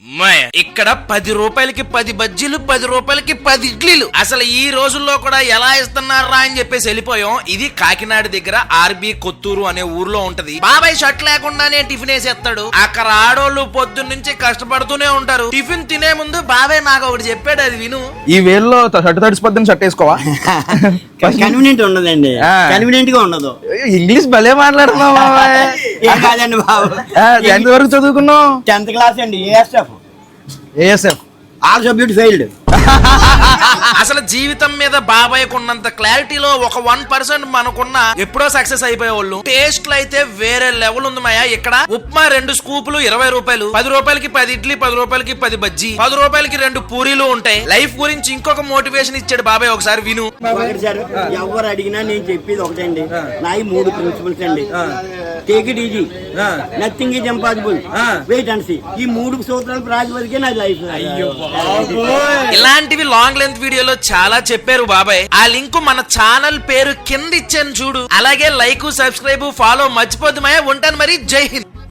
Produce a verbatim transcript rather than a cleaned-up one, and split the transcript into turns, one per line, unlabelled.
ఇక్కడ పది రూపాయలకి పది బజ్జీలు, పది రూపాయలకి పది ఇడ్లీలు. అసలు ఈ రోజుల్లో కూడా ఎలా ఇస్తున్నారా అని చెప్పేసి వెళ్ళిపోయాం. ఇది కాకినాడ దగ్గర ఆర్బి కొత్తూరు అనే ఊర్లో ఉంటది. బాబాయ్ షర్ట్ లేకుండానే టిఫిన్ వేసేస్తాడు. అక్కడ ఆడోళ్ళు పొద్దున్న నుంచి కష్టపడుతూనే ఉంటారు. టిఫిన్ తినే ముందు బాబాయ్ నాకు ఒకటి చెప్పాడు, అది విను.
ఈ వేల్లో షర్ట్ తడిసిపోద్దని షర్ట్ వేసుకోవా?
కన్వీనియంట్ ఉండదండి, కన్వీనియంట్ గా ఉండదు.
ఇంగ్లీష్ భలే మాట్లాడుతున్నావు బాబాయ్.
కాదండి బాబు,
ఎంత వరకు చదువుకున్నావు?
టెన్త్ క్లాస్ అండి. ASF
ASF
all subject failed.
అసలు జీవితం మీద బాబాయ్ ఉన్నంత క్లారిటీలో ఒక వన్ పర్సెంట్ మనకున్న ఎప్పుడో సక్సెస్ అయిపోయే వాళ్ళు. టేస్ట్లు అయితే వేరే లెవెల్ ఉంది మాయా. ఇక్కడ ఉప్మా రెండు స్కూపులు ఇరవై రూపాయలు, పది రూపాయలకి పది ఇడ్లీ, పది రూపాయలకి పది బజ్జీ, పది రూపాయలకి రెండు పూరీలు ఉంటాయి. లైఫ్ గురించి ఇంకొక మోటివేషన్ ఇచ్చాడు బాబాయ్, ఒకసారి విను.
సార్ ఎవరు అడిగినా నేను చెప్పేది ఒకటండి, నా ఈ మూడు ప్రిన్సిపల్స్ అండి. Take it easy, nothing is impossible, wait and see. ఈ మూడు సూత్రాలు ప్రాతిపదికే నా లైఫ్.
ఇలాంటివి లాంగ్ లెంత్ వీడియోలో చాలా చెప్పారు బాబాయ్. ఆ లింక్ మన ఛానల్ పేరు కింద ఇచ్చాను చూడు. అలాగే లైక్, సబ్స్క్రైబ్, ఫాలో మర్చిపోద్దు మాయా. ఉంటాను మరి. జై హింద్.